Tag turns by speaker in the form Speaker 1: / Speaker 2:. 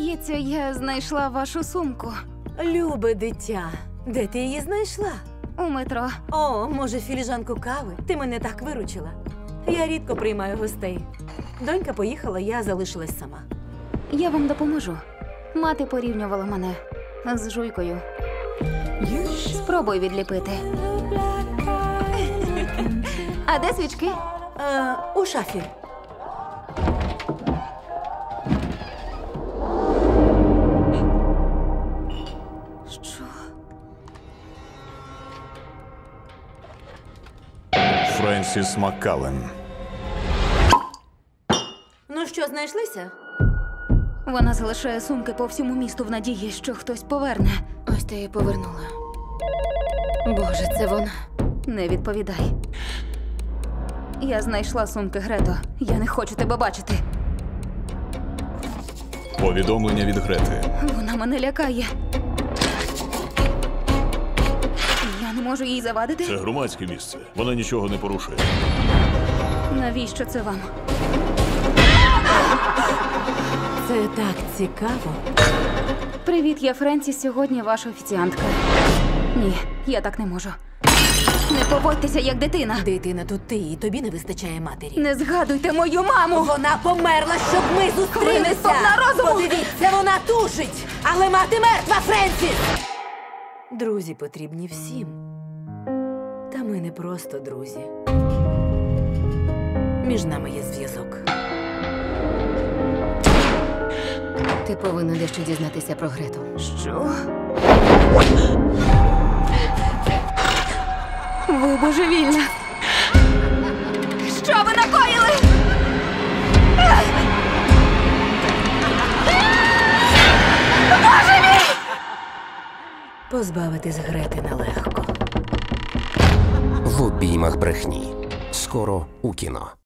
Speaker 1: Здається, я знайшла вашу сумку
Speaker 2: Любе дитя, де ти її знайшла?
Speaker 1: у метро.
Speaker 2: О, може, філіжанку кави? Ти мене так виручила. Я рідко приймаю гостей. Донька поїхала, я залишилась сама.
Speaker 1: Я вам допоможу. Мати порівнювала мене з жуйкою. Спробуй відліпити. А де свічки?
Speaker 2: У шафі.
Speaker 1: Що?
Speaker 3: Френсіс Маккален.
Speaker 2: Ну що, знайшлися?
Speaker 1: Вона залишає сумки по всьому місту в надії, що хтось поверне.
Speaker 4: Ось ти її повернула. Боже, це вона.
Speaker 1: Не відповідай. Я знайшла сумки, Грето. Я не хочу тебе бачити.
Speaker 3: Повідомлення від Грети.
Speaker 1: Вона мене лякає. Я не можу їй завадити.
Speaker 3: Це громадське місце. Вона нічого не порушує.
Speaker 1: Навіщо це вам?
Speaker 2: Це так цікаво.
Speaker 1: Привіт, я Френсіс. Сьогодні ваша офіціантка. Ні, я так не можу. Не поводьтеся, як дитина.
Speaker 2: Дитина тут ти, і тобі не вистачає матері.
Speaker 1: Не згадуйте мою маму!
Speaker 2: Вона померла, щоб ми зустрілися!
Speaker 1: Ви не сповна розуму!
Speaker 2: Подивіться, вона тужить! Але мати мертва, Френсіс! Друзі потрібні всім. Та ми не просто друзі. Між нами є зв'язок.
Speaker 4: Ти повинна дещо дізнатися про Грету.
Speaker 1: Що? Ви божевільна! Що ви накоїли? Боже мій!
Speaker 2: Позбавитись Грети нелегко.
Speaker 5: В обіймах брехні. Скоро у кіно.